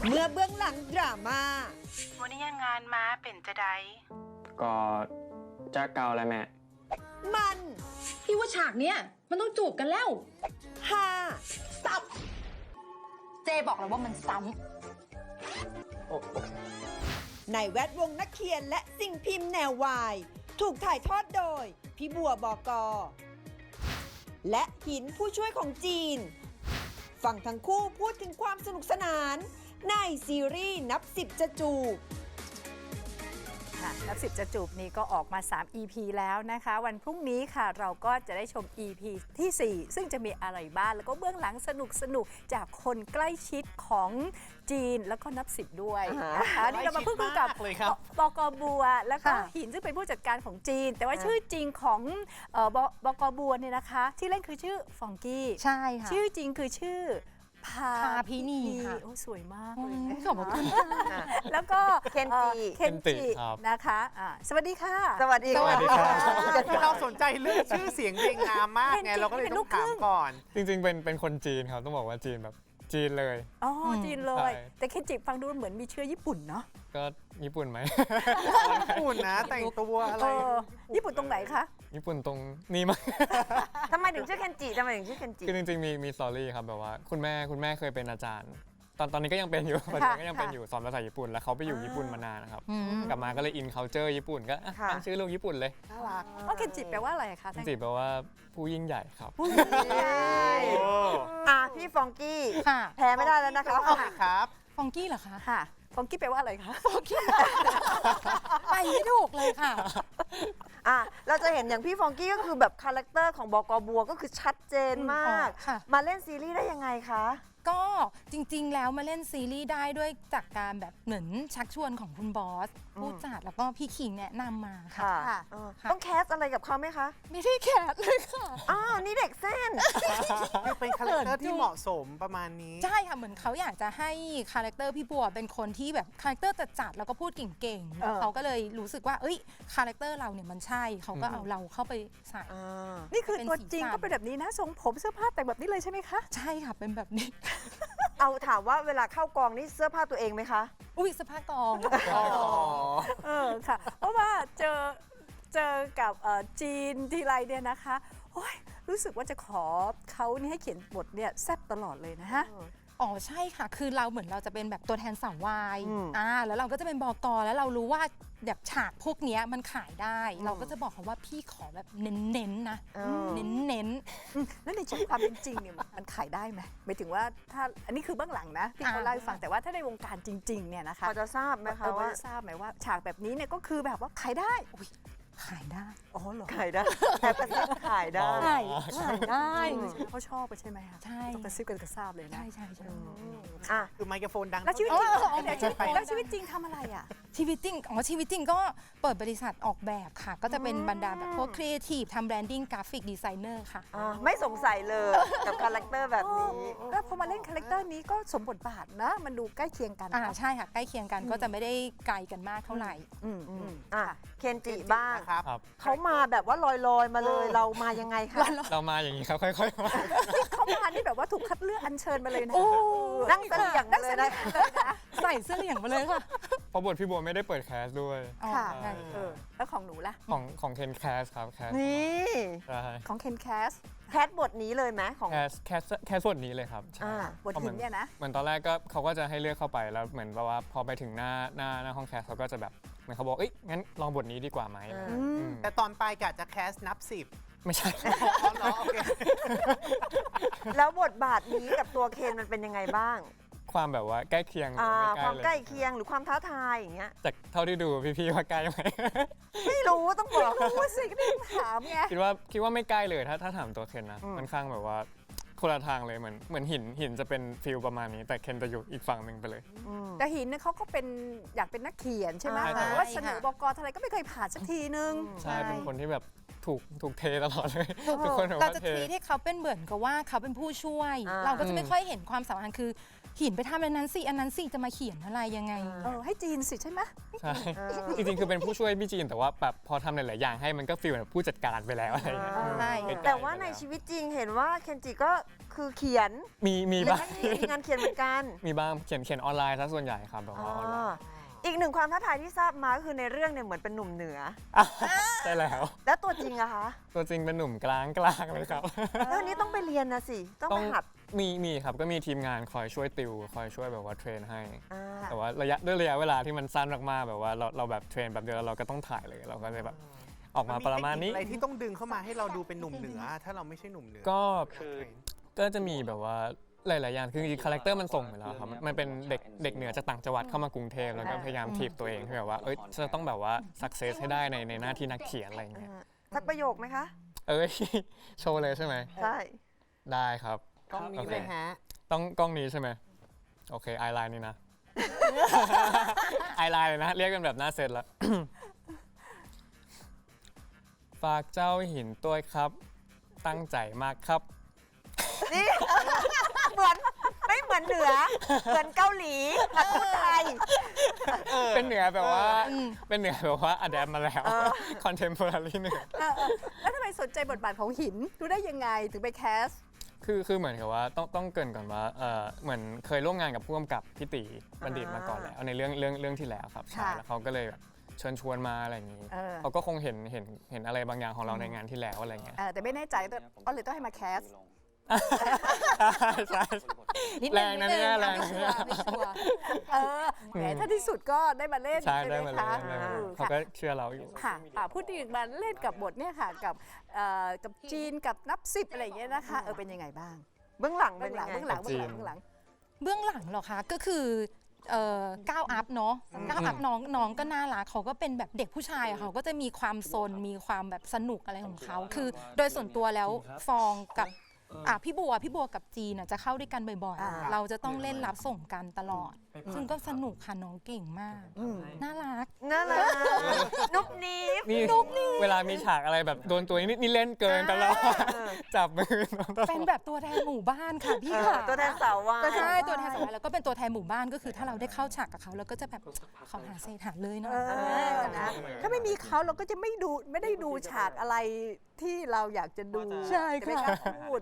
เมื่อเบื้องหลังดราม่าวันนี้ยังงานมาเป็นจะได้ก็จะเกาเลยแม่มันพี่ว่าฉากเนี้ยมันต้องจูบกันแล้วฮาซับเจบอกแล้วว่ามันซ้ในแวดวงนักเขียนและสิ่งพิมพ์แนววาย ถูกถ่ายทอดโดย พี่บัวบก. และหินผู้ช่วยของจีน ฟังทั้งคู่พูดถึงความสนุกสนาน ในซีรีส์นับสิบจะจูบนับสิบจะจูบนี้ก็ออกมา 3 EP แล้วนะคะ วันพรุ่งนี้ค่ะเราก็จะได้ชม EP ที่ 4 ซึ่งจะมีอะไรบ้างแล้วก็เบื้องหลังสนุกจากคนใกล้ชิดของจีนแล้วก็นับสิบด้วยนะคะนี่เรามาพูดคุยกับบก.บัวแล้วก็หินซึ่งเป็นผู้จัดการของจีน แต่ว่าชื่อจริงของบก.บัวเนี่ยนะคะที่เล่นคือชื่อฟองกี้ำใช่ค่ะชื่อจริงคือชื่อพาพินีค่ะโอ้สวยมากเลยนะขอบคุณแล้วก็เคนจิเคนจิครับนะคะสวัสดีค่ะสวัสดีสวัสดีครับคือเราสนใจเรื่องชื่อเสียงเพลงงามมากไง เราก็เลยต้องถามก่อนจริงๆ เป็นคนจีนครับ ต้องบอกว่าจีนแบบจีนเลยอ๋อจีนเลยใช่แต่เคนจิฟังดูเหมือนมีเชื้อญี่ปุ่นเนาะก็ญี่ปุ่นไหมญี่ปุ่นนะ แต่งตัวอะไรญี่ปุ่นตรงไหนคะญี่ปุ่นตรงนี้มั้ยทำไมถึงชื่อเคนจิทำไมถึงชื่อเคนจิคือจริงๆ มีสตอรี่ครับแบบว่าคุณแม่เคยเป็นอาจารย์ ตอนนี้ก็ยังเป็นอยู่ปัจจุบันก็ยังเป็นอยู่สอนภาษาญี่ปุ่นแล้วเขาไปอยู่ญี่ปุ่นมานานนะครับ กลับมาก็เลยอิน culture ญี่ปุ่นก็ตั้งชื่อลูกญี่ปุ่นเลยน่ารักเพราะเคนจิแปลว่าอะไรคะจริงๆแปลว่าผู้ยิ่งใหญ่ครับพี่ฟองกี้ค่ะแพ้ไม่ได้แล้วนะคะครับฟองกี้เหรอคะค่ะฟองกี้แปลว่าอะไรคะไปไม่ถูกเลยค่ะเราจะเห็นอย่างพี่ฟองกี้ก็คือแบบคาแรคเตอร์ของบก.บัวก็คือชัดเจนมากค่ะมาเล่นซีรีส์ได้ยังไงคะก็จริงๆ แล้วมาเล่นซีรีส์ได้ด้วยจากการแบบเหมือนชักชวนของคุณบอส ผู้จัดแล้วก็พี่ขิงแนะนำมาค่ะค่ะค่ะต้องแคสอะไรกับเขาไหมคะไม่ได้แคสเลยค่ะนี่เด็กเส้นคือเป็นคาแรคเตอร์ที่เหมาะสมประมาณนี้ใช่ค่ะ เหมือนเขาอยากจะให้คาแรคเตอร์พี่บัวเป็นคนที่แบบคาแรคเตอร์จัดๆแล้วก็พูดเก่งๆ เขาก็เลยรู้สึกว่า เอ้ยคาแรคเตอร์เราเนี่ยมันใช่ เขาก็เอาเราเข้าไปใส่นี่คือเป็นตัวสีจริงสันก็เป็นแบบนี้นะทรงผมเสื้อผ้าแต่งแบบนี้เลยใช่ไหมคะใช่ค่ะ เป็นแบบนี้เอาถามว่าเวลาเข้ากองนี่เสื้อผ้าตัวเองไหมคะอุ้ยสภาพกองค่ะ เพราะว่าเจอกับจีนทีไรเนี่ยนะคะโอ้ยรู้สึกว่าจะขอเขานี่ให้เขียนบทเนี่ยแซ่บตลอดเลยนะฮะอ๋อใช่ค่ะ คือเราเหมือนเราจะเป็นแบบตัวแทนสาววายอืมแล้วเราก็จะเป็นบก.แล้วเรารู้ว่าแบบฉากพวกเนี้ยมันขายได้ เราก็จะบอกเขาว่าพี่ขอแบบเน้นๆนะ เน้นแล้วในชีวิตความเป็นจริงเนี่ยมันขายได้ไหมหมายถึงว่าถ้าอันนี้คือเบื้องหลังนะที่เขาเล่าให้ฟังแต่ว่าถ้าในวงการจริงๆเนี่ยนะคะพอจะทราบไหมคะว่าว่าทราบไหมว่าฉากแบบนี้เนี่ยก็คือแบบว่าขายได้ๆขายได้อ๋อเหรอขายได้แอบกระซิบขายได้ขายได้เขาชอบไปใช่ไหมคะใช่ต้องกระซิบกันกระซาบเลยนะใช่ใช่อ่ะคือไมโครโฟนดังแล้วชีวิตจริงไปแล้วชีวิตจริงทำอะไรอ่ะชีวิตจริงชีวิตจริงก็เปิดบริษัทออกแบบค่ะ ก็จะเป็นบรรดาแบบพวกครีเอทีฟทำแบรนดิ้งกราฟิกดีไซเนอร์ค่ะไม่สงสัยเลยกับคาแรคเตอร์แบบนี้แล้วพอมาเล่นคาแรคเตอร์นี้ก็สมบทบาทนะ มันดูใกล้เคียงกันใช่ค่ะ ใกล้เคียงกันก็จะไม่ได้ไกลกันมากเท่าไหร่เคนจิบ้างครับครับเขามาแบบว่าลอยๆมาเลยเรามายังไงคะเรามาอย่างนี้ครับ ค่อยๆมาเขามานี่แบบว่าถูกคัดเลือกอัญเชิญมาเลยนะนั่งเสลี่ยงมาเลยนะใส่เสื้อเหลี่ยงมาเลยค่ะเพราะบทพี่บัวไม่ได้เปิดแคสด้วยค่ะใช่แล้วของหนูล่ะของเคนแคสครับแคสนี่ใช่ของเคนแคสแคทบทนี้เลยไหมของแคสส่วนนี้เลยครับใช่บทหินเนี่ยนะเหมือนตอนแรกก็เขาก็จะให้เลือกเข้าไปแล้วเหมือนแบบว่าพอไปถึงหน้าห้องแคสเขาก็จะแบบเหมือนเขาบอกเอ้ยงั้นลองบทนี้ดีกว่าไหมแต่ตอนไปกะจะแคสนับสิบไม่ใช่อ๋อเหรอโอเคแล้วบทบาทนี้กับตัวเคนมันเป็นยังไงบ้างความแบบว่าใกล้เคียงหรือไความใกล้ลเคียงหรือความท้าทายอย่างเงี้ยจากเท่าที่ดูพี่ๆว่าใกล้ไหมไม่รู้ต้องบอกพูดสิก็ได้ถามไงคิดว่าไม่ใกล้เลยถ้าถามตัวเคนนะค่อนข้างแบบว่าคนละทางเลยเหมือนหินจะเป็นฟิลประมาณนี้ แต่เคนจะอยู่อีกฝั่งหนึ่งไปเลยแต่หินเนี่ยเขาก็เป็นอยากเป็นนักเขียนใช่ไหมใช่แต่ว่าเสนอบกอะไรก็ไม่เคยผ่านสักทีนึงใช่เป็นคนที่แบบถูกเทตลอดเลยถูทุกคนแบบเราว่าจะเททีให้เขาเป็นเหมือนกับว่าเขาเป็นผู้ช่วยอ่าเราก็จะไม่ค่อยเห็นความสำคัญคือหินไปทำอันนั้นสิอันนั้นสิจะมาเขียนอะไรยังไงให้จีนสิใช่ไหมใช่ จริงๆ คือเป็นผู้ช่วยพี่จีนแต่ว่าแบบพอทำหลายๆอย่างให้มันก็ฟีลแบบผู้จัดการไปแล้วอะไรอย่างเงี้ยใช่แต่ว่าในชีวิตจริงเห็นว่าเคนจิก็คือเขียนมีบ้างมีงานเขียนเหมือนกันมีบ้างเขียนออนไลน์ซะส่วนใหญ่ครับแบบว่าออนไลน์อีกหนึ่งความท้าทายที่ทราบมาก็คือในเรื่องเนี่ยเหมือนเป็นหนุ่มเหนือใช่แล้วแล้วตัวจริงอะคะตัวจริงเป็นหนุ่มกลางเลยครับแล้วอันนี้ต้องไปเรียนนะสิ ต้องไปหัดมีครับก็มีทีมงานคอยช่วยติวคอยช่วยแบบว่าเทรนให้อ่าแต่ว่าด้วยระยะเวลาที่มันสั้นมากๆแบบว่าเราแบบเทรนแบบเดียวแล้วเราก็ต้องถ่ายเลยเราก็เลยแบบออกมาประมาณนี้อะไรที่ต้องดึงเข้ามาให้เราดูเป็นหนุ่มเหนือ ถ้าเราไม่ใช่หนุ่มเหนือก็จะมีแบบว่าหลายๆอย่างคือจริงๆคาแรคเตอร์มันส่งอยู่แล้วครับมันเป็นเด็กเหนือจากต่างจังหวัดเข้ามากรุงเทพแล้วก็พยายามถีบตัวเองที่แบบว่าจะต้องแบบว่าสักเซสให้ได้ในหน้าที่นักเขียนอะไรอย่างเงี้ยสักประโยคไหมคะโชว์เลยใช่ไหมใช่ได้ครับกล้องนี้เลยฮะต้องกล้องนี้ใช่ไหมโอเคไอไลน์นี่นะ ไอไลน์เลยนะเรียกกันแบบหน้าเซตแล้ว ฝากเจ้าหินตัวครับตั้งใจมากครับนี่ เหมือนไม่เหมือนเหนือ เหมือนเกาหลีแต่พูดไทยเป็นเหนือแบบว่าเป็นเหนือแบบว่าอัดแอปมาแล้วคอนเทมพอรารีเหนือแล้วทำไมสนใจบทบาทของหินรู้ได้ยังไงถึงไปแคสคือเหมือนกับว่าต้องเกรินก่อนว่าเหมือนเคยร่วมงานกับผู้กำกับพี่ตีบัณฑิตมาก่อนแล้วในเรื่องที่แล้วครับใช่แล้วเขาก็เลยแบบเชิญชวนมาอะไรอย่างนี้เขาก็คงเห็นอะไรบางอย่างของเราในงานที่แล้วอะไรเงี้ยแต่ไม่แน่ใจก็เลยต้องให้มาแคสใช่แรงนะเนี่ยแรงนะเนี่ยแหมถ้าที่สุดก็ได้มาเล่นใช่ไหได้มมาเลยคะเขาก็เชื่อเราอยู่ค่ะพูดถึงมาเล่นกับบทเนี่ยค่ะกับจีนกับนับสิบอะไรอย่างเงี้ยนะคะเป็นยังไงบ้างเบื้องหลังเบื้เป็อน งหยัลังงไงเบื้องหลังเบื้องหลังเบื้องหลังเหรอคะก็คือก้าวอัพเนาะก้าวอัพน้องก็น่ารักเขาก็เป็นแบบเด็กผู้ชายอะเขาก็จะมีความซนมีความแบบสนุกอะไรของเขาคือโดยส่วนตัวแล้วฟองกับพี่บัวกับจีนจะเข้าด้วยกันบ่อยๆเราจะต้องเล่นรับส่งกันตลอด ซึ่งก็สนุกค่ะน้องเก่งมากน่ารักน่ารักนุบนีบนี่เวลามีฉากอะไรแบบโดนตัวนี่เล่นเกินตลอดจับมือน้องตลอดเป็นแบบตัวแทนหมู่บ้านค่ะพี่ค่ะตัวแทนสาววายก็ใช่ตัวแทนสาววายแล้วก็เป็นตัวแทนหมู่บ้านก็คือถ้าเราได้เข้าฉากกับเขาเราก็จะแบบขอหาเศษหาเลยเนาะนะถ้าไม่มีเขาเราก็จะไม่ได้ดูฉากอะไรที่เราอยากจะดูใช่จะไม่ค่ะกล้าพูด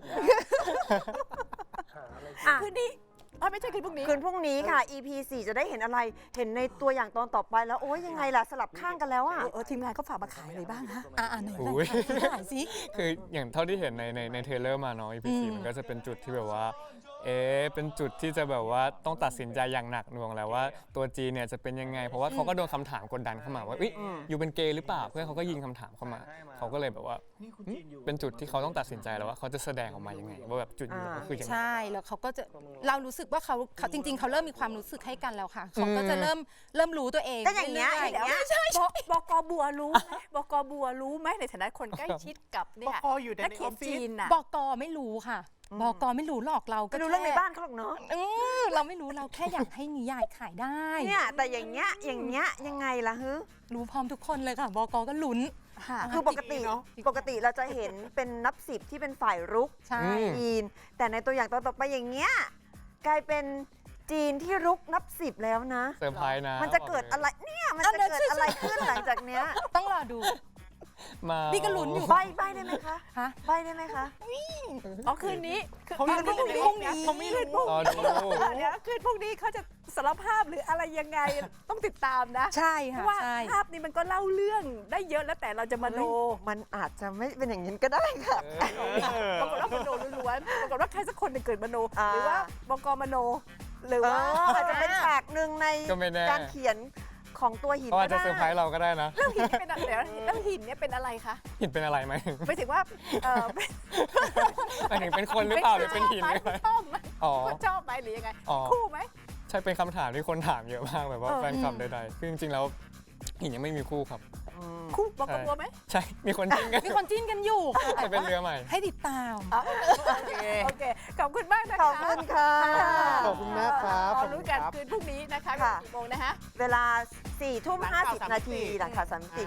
คืนนี้ไม่ใช่คืนพรุ่งนี้คืนพรุ่งนี้ค่ะ EP 4 จะได้เห็นอะไร เห็นในตัวอย่างตอนต่อไปแล้วโอ้ยยังไงล่ะสลับข้างกันแล้วอ่ะทีมงานเขาฝากมาขายอะไรบ้างคะไหนอุ๊ยถ่ายสิคืออย่างเท่าที่เห็นในเทรลเลอร์มาเนาะ EP 4มันก็จะเป็นจุดที่แบบว่าเป็นจุดที่จะแบบว่าต้องตัดสินใจอย่างหนักหน่วงแล้วว่าตัวจีเนี่ยจะเป็นยังไงเพราะว่าเขาก็โดนคำถามกดดันเข้ามาว่าอยู่เป็นเกย์หรือเปล่าเพื่อนเขาก็ยิงคำถามเข้ามาเขาก็เลยแบบว่าเป็นจุดที่เขาต้องตัดสินใจแล้วว่าเขาจะแสดงออกมายังไงว่าแบบจุดยืนก็คือยังไงใช่แล้วเขาก็จะเรารู้สึกว่าเขาจริง ๆเขาเริ่มมีความรู้สึกให้กันแล้วค่ะเขาก็จะเริ่มรู้ตัวเองก็อย่างเงี้ยรื่อย่างเงี้ยบกบัวรู้ไหมบกบัวรู้ไหมในฐานะคนใกล้ชิดกับเนี่ยบกอยู่ในนักเขียนออฟฟิศจีนน่ะบกไม่รู้ค่ะบกไม่รู้หรอกเราก็ไปดูเรื่องในบ้านเขาหรอกเนาะเราไม่รู้เราแค่อยากให้นิยายขายได้เนี่ยแต่อย่างเงี้ยยังไงล่ะฮึรู้พร้อมทุกคนเลยค่ะบกก็ลุ้นคือปกติเราจะเห็นเป็นนับสิบที่เป็นฝ่ายรุกใช่จีน แต่ในตัวอย่างตอนต่อไปอย่างเงี้ยกลายเป็นจีนที่รุกนับสิบแล้วนะเซอร์ไพรส์นะมันจะเกิดอะไรเนี่ยมันจะเกิดอะไรขึ้นหลังจากเนี้ยต้องรอดูมานี่ก็ลุ้นอยู่ใบได้ไหมคะฮะใบได้ไหมคะคืนนี้เขาเล่นพรุ่งนี้เขาไม่เล่นพรุ่งรอนี้ดูเดี๋ยวคืนพรุ่งนี้เขาจะสารภาพหรืออะไรยังไงต้องติดตามนะใช่เพค่ะราะว่าใช่ภาพนี้มันก็เล่าเรื่องได้เยอะแล้วแต่เราจะมโนมันอาจจะไม่เป็นอย่างนี้ก็ได้ค่ะปรากฏว่ามโนล้วนๆปรากฏว่าใครสักคนหนึ่งเกิดมโนอ่าหรือว่าบกมโน หรือเอว่าออาจจะเป็นฉากหนึ่งในก็ไม่แน่การเขียนของตัวหินเขาอาจก็จะได้เซอร์ไพรส์เราก็ได้นะแล้วหินเป็นอะไรแล้วหินเนี่ยเป็นอะไรคะหินเป็นอะไรไหมไม่ถึงว่าเป็นหมายถึงเป็นคนหรือเปล่าหรือเป็นหินหรืออะไรชอบไหมอ๋อชอบไหมหรือยังไงอ๋อคู่ไหมใช่เป็นคำถามที่คนถามเยอะมากแบบว่าแฟนคลับใดๆคือจริงๆแล้วหินยังไม่มีคู่ครับคู่บกบัวไหมใช่ มีคนจริงกันมีคนจิ้นกันอยู่ค่ะจะเป็นเรือใหม่ให้ติดตามโอเคขอบคุณมากนะคะขอบคุณค่ะขอบคุณมากครับเรารู้กันคืนพรุ่งนี้นะคะค่ะกี่โมงนะคะเวลา4 ทุ่ม 50 นาทีหลังข่าว30